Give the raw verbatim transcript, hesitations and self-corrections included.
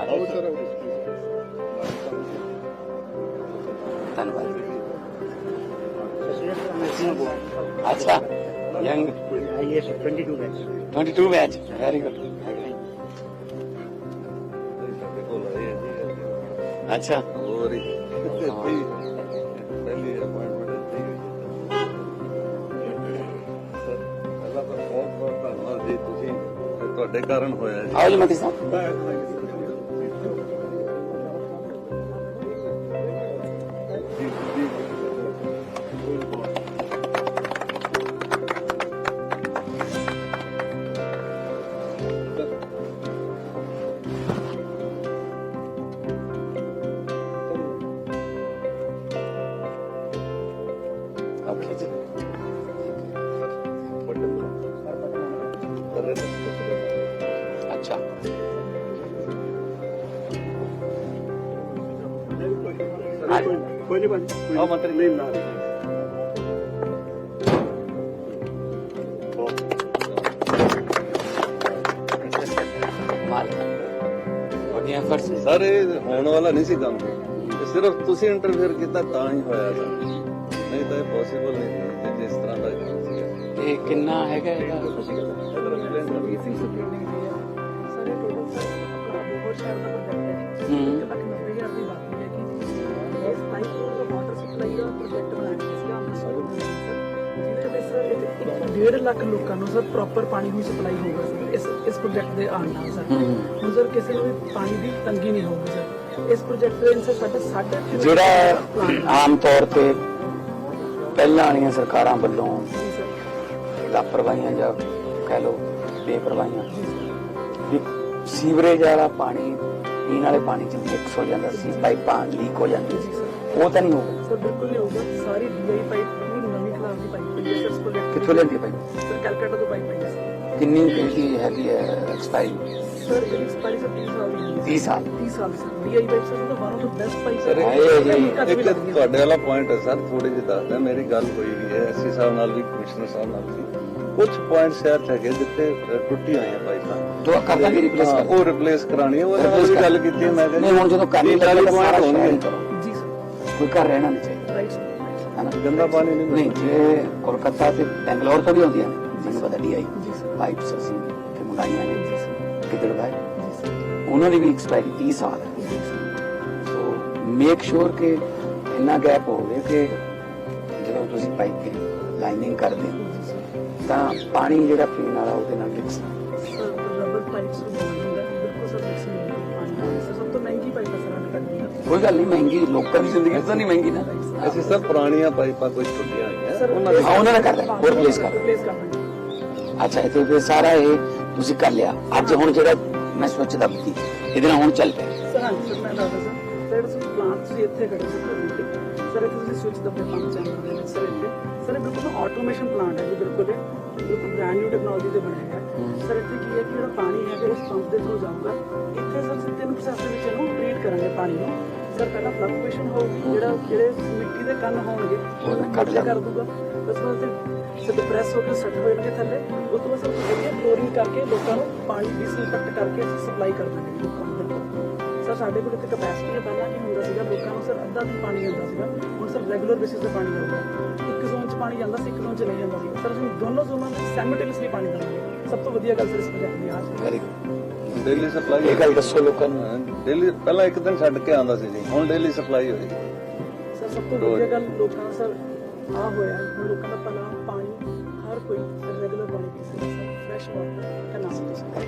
ਧੰਨਵਾਦ। अच्छा young twenty two batch very good. अच्छा ਤੁਹਾਡੇ ਕਾਰਨ ਹੋਇਆ ਜੀ। आओ जी मती साहब। ओके जी अच्छा ਕੋਈ ਨਹੀਂ ਆਓ ਮੰਤਰੀ ਨਹੀਂ ਨਾ ਸਰ ਇਹ ਹੋਣ ਵਾਲਾ ਨਹੀਂ ਸੀ ਕੰਮ, ਸਿਰਫ ਤੁਸੀਂ ਇੰਟਰਫੇਅਰ ਕੀਤਾ ਤਾਂ ਹੀ ਹੋਇਆ ਸਰ, ਨਹੀਂ ਤਾਂ ਇਹ ਪੋਸੀਬਲ ਨਹੀਂ ਸੀ ਜਿਸ ਤਰ੍ਹਾਂ ਦਾ ਕੰਮ ਸੀ। ਇਹ ਕਿੰਨਾ ਹੈਗਾ ਇਹਦਾ? डेढ़ लाख लोगों को सर प्रॉपर पानी की सप्लाई होगा सर इस इस प्रोजेक्ट के आने नाल सर हुण सर किसी को भी पानी की तंगी नहीं होगी सर इस प्रोजेक्ट ਦੇ ਸਰ ਸਾਡੇ ਸਾਢੇ ਜਿਹੜਾ ਆਮ ਤੌਰ ਤੇ ਪਹਿਲਾਂ ਵਾਲੀਆਂ ਸਰਕਾਰਾਂ ਵੱਲੋਂ ਲਾਪਰਵਾਹੀਆਂ ਜਾਂ ਕਹਿ ਲਓ ਬੇਪਰਵਾਹੀਆਂ ਵੀ ਸੀਵਰੇਜ ਵਾਲਾ ਪਾਣੀ ਪੀਣ ਵਾਲੇ ਪਾਣੀ ਚ ਮਿਕਸ ਹੋ ਜਾਂਦਾ ਸੀ, ਪਾਈਪਾਂ ਲੀਕ ਹੋ ਜਾਂਦੀਆਂ ਸੀ, ਉਹ ਤਾਂ ਨਹੀਂ ਹੋਊਗਾ ਸਰ? ਬਿਲਕੁਲ ਨਹੀਂ ਹੋਊਗਾ। ਸਾਰੀ ਡੀਆਈ ਪਾਈਪ ਪੂਰੀ ਨਵੀਂ ਕਲਾਸ ਦੀ ਪਾਈਪ ਹੈ ਸਰ ਇਸ ਪ੍ਰੋਜੈਕਟ ਕਿੱਥੋਂ ਲੈਂਦੀ ਪਾਈਪ? ਸਰ ਕੈਲਕਟਾ ਤੋਂ ਪਾਈਪ ਹੈ ਸਰ। ਕਿੰਨੀ ਇਹਦੀ ਹੈਗੀ ਹੈ ਐਕਸਪਾਇਰੀ? ਸਰ ਇਹ ਐਕਸਪਾਇਰੀ ਸਰ तीस ਸਾਲ ਦੀ ਹੈ। तीस साल तीस ਸਾਲ ਸਰ ਡੀਆਈ ਪਾਈਪ ਸਰ ਦਾ one of the best pipe sir ਹੈ। ਇੱਕ ਤੁਹਾਡੇ ਵਾਲਾ ਪੁਆਇੰਟ ਹੈ ਸਰ, ਥੋੜੀ ਜਿਹੀ ਦੱਸਦਾ, ਮੇਰੀ ਗੱਲ ਹੋਈ ਵੀ ਹੈ ਐਸਸੀ ਸਾਹਿਬ ਨਾਲ ਵੀ, ਕਮਿਸ਼ਨਰ ਸਾਹਿਬ ਨਾਲ ਵੀ, ਕੁਝ ਪੁਆਇੰਟ ਸ਼ਹਿਰ ਚ ਹੈਗੇ ਜਿੱਥੇ ਟੁੱਟੀ ਹੋਈਆਂ ਪਾਈਪਾਂ तो करना भी रिप्लेस कर ਉਹ ਰਿਪਲੇਸ ਕਰਾਣੀ ਹੈ, ਉਹ ਨਾਲ ਵੀ ਗੱਲ ਕੀਤੀ ਮੈਂ नहीं हुण जो करनी ਚਾਲੀ चाहिए सारा ਪੁਆਇੰਟ शहर ही ਹੋਣਗੇ। करो, ਜੀ ਸਰ कोई घर रहना नहीं चाहिए ਰਾਈਟ है ना? ਗੰਦਾ ਪਾਣੀ ਨਹੀਂ नहीं जे कोलकाता ते बेंगलोर तो भी होंदी है मैंने पता डी आई ਜੀ ਸਰ पाइप्स असी कि मंगाइया ने ਜੀ ਸਰ किधर गए ਜੀ ਸਰ उन्होंने भी एक्सपायरी तीस साल है। ਜੀ ਸਰ सो मेक श्योर कि इन्ना गैप होवे कि ਜਦੋਂ ਤੁਸੀਂ ਪਾਈਪ ਦੀ ਲਾਈਨਿੰਗ ਕਰਦੇ ਹੋ ਤਾਂ ਪਾਣੀ ਜਿਹੜਾ ਪੀਣ ਵਾਲਾ ਉਹਦੇ ਨਾਲ ਮਿਕਸ ਸਰ ਰਬਰ ਪਾਈਪਸ ਨੂੰ ਬੋਲ ਹੁੰਦਾ ਬਿਲਕੁਲ ਸਰ ਮਿਕਸ ਨਹੀਂ ਹੁੰਦਾ ਪਾਣੀ ਨਾਲ। ਸਰ ਸਭ ਤੋਂ ਮਹਿੰਗੀ ਪਾਈਪ ਹੈ ਸਰ ਸਾਡੇ ਕੰਟਰੀ ਦੀ। ਕੋਈ ਗੱਲ ਨਹੀਂ, ਮਹਿੰਗੀ ਲੋਕਾਂ ਦੀ ਜ਼ਿੰਦਗੀ ਤਾਂ ਨਹੀਂ ਮਹਿੰਗੀ ਨਾ। ਅਸੀਂ ਸਰ ਪੁਰਾਣੀਆਂ ਪਾਈਪਾਂ ਕੁਝ ਟੁੱਟੀਆਂ ਹੋਈਆਂ ਉਹਨਾਂ ਹਾਂ ਉਹਨਾਂ ਨੇ ਕਰ ਲਿਆ, ਹੋਰ ਰਿਪਲੇਸ ਕਰ ਰਿਪਲੇਸ ਕਰ ਦਿੰਦੇ। ਅੱਛਾ ਇਹ ਤੇ ਸਾਰਾ ਇਹ ਤੁਸੀਂ ਕਰ ਲਿਆ। ਅੱਜ ਹੁਣ ਜਿਹੜਾ ਮੈਂ ਸੋਚ ਦੱਬਦੀ ਇਹਦੇ ਨਾਲ ਹੁਣ ਚੱਲ ਪਿਆ। ਸਰ ਹਾਂਜੀ ਸਰ ਮੈਂ ਦੱਸਦਾ ਸਰ ਸਰ ਤੁਸੀਂ ਪਲਾਂਟ ਤੁਸੀਂ ਇੱਥੇ ਖੜੇ ਸੀ ਸਰ ਸਰ ਇੱਥੇ ਤੁਸੀਂ ਸਵਿਚ ਦੱਬੇ ਪੰਪ ਚੈਨਲ ਦੇ ਵਿੱਚ ਸਰ ਇੱਥੇ ਸਰ ਇਹ ਬਿਲਕੁਲ ਆਟੋਮੇਸ਼ਨ ਪਲਾਂਟ ਹੈ ਜੀ, ਬਿਲਕੁਲ ਇਹ ਬਿਲਕੁਲ ਬ੍ਰਾਂਡ ਨਿਊ ਟੈਕਨੋਲੋਜੀ ਤੇ ਬਣਿਆ ਹੈ ਸਰ। ਇੱਥੇ ਕੀ ਹੈ ਕਿ ਜਿਹੜਾ ਪਾਣੀ ਹੈ ਇਸ ਪੰਪ ਦੇ ਥਰੂ ਜਾਊਗਾ ਇੱਥੇ ਸਰ ਅਸੀਂ ਤਿੰਨ ਪ੍ਰੋਸੈਸ ਦੇ ਵਿੱਚ ਇਹਨੂੰ ਟ੍ਰੀਟ ਕਰਾਂਗੇ ਪਾਣੀ ਨੂੰ ਸਰ। ਪਹਿਲਾਂ ਫਲਕਚੁਏਸ਼ਨ ਹੋਊਗੀ, ਜਿਹੜਾ ਜਿਹੜੇ ਮਿੱਟੀ ਦੇ ਕੰਨ ਹੋਣਗੇ ਉਹਨੂੰ ਕੱਟ ਕਰ ਦੂਗਾ, ਉਸ ਤੋਂ ਬਾਅਦ ਸਰ ਡਿਪਰੈਸ ਹੋ ਕੇ ਸੈੱਟ ਹੋ ਜਾਣਗੇ ਥੱਲੇ, ਉਸ ਤੋਂ ਬਾਅਦ ਸਰ ਵਧੀਆ ਕਲੋਰਿੰਗ ਕਰਕੇ ਲੋਕਾਂ ਨੂੰ ਪਾਣੀ ਡਿਸਇਨਫੈਕਟ ਕਰਕੇ ਅਸੀਂ ਸਪਲਾਈ ਕਰ ਦਾਂਗੇ ਲੋਕਾਂ ਨੂੰ। ਬਿਲਕੁਲ ਸਰ ਸਾਡੇ ਕੋਲ ਇੱਥੇ ਕਪੈਸਿਟੀ ਹੈ, ਪਹਿਲਾਂ ਕੀ ਹੁੰਦਾ ਸੀਗਾ ਲੋਕਾਂ ਨੂੰ ਸਰ ਅੱਧਾ ਦਿਨ ਪਾਣੀ ਜਾਂਦਾ ਸੀਗਾ, ਹੁਣ ਸਰ ਰੈਗੂਲਰ ਬੇਸਿਸ ਤੇ ਪਾਣੀ ਆਉਂਦਾ। ਇੱਕ ਜ਼ੋਨ 'ਚ ਪਾਣੀ ਜਾਂਦਾ ਸੀ, ਇੱਕ ਜ਼ੋਨ 'ਚ ਨਹੀਂ ਜਾਂਦਾ ਸੀ ਸਰ। ਅਸੀਂ ਦੋਨੋਂ ਜ਼ੋਨਾਂ ਵਿੱਚ ਸਾਈਮਲਟੇਨੀਅਸਲੀ ਪਾਣੀ ਦੇਵਾਂਗੇ। ਸਭ ਤੋਂ ਵਧੀਆ ਗੱਲ ਸਰ ਇਸ ਪ੍ਰੋਜੈਕਟ ਦੀ ਆਹ ਵੈਰੀ ਡੇਲੀ ਸਪਲਾਈ ਇਹ ਗੱਲ ਦੱਸੋ ਲੋਕਾਂ ਨੂੰ। ਡੇਲੀ ਪਹਿਲਾਂ ਇੱਕ ਦਿਨ ਛੱਡ ਕੇ ਆਉਂਦਾ ਸੀ ਜੀ, ਹੁਣ ਡੇਲੀ ਸਪਲਾਈ ਹੋਏਗੀ ਸਰ। ਸਭ ਤੋਂ ਵਧੀਆ ਗੱਲ ਲੋਕਾਂ ਦਾ ਸਰ ਆ ਹੋਇਆ ਹੁਣ ਲੋਕਾਂ ਦਾ ਪਹਿਲਾਂ ਪਾਣੀ ਹਰ ਕੋਈ ਰੈਗੂਲਰ ਪਾਣੀ ਪੀ ਸਕਦਾ ਸਰ, ਫਰੈਸ਼ ਵਾਟਰ ਕਨਾਲ ਤੋਂ ਸਰ।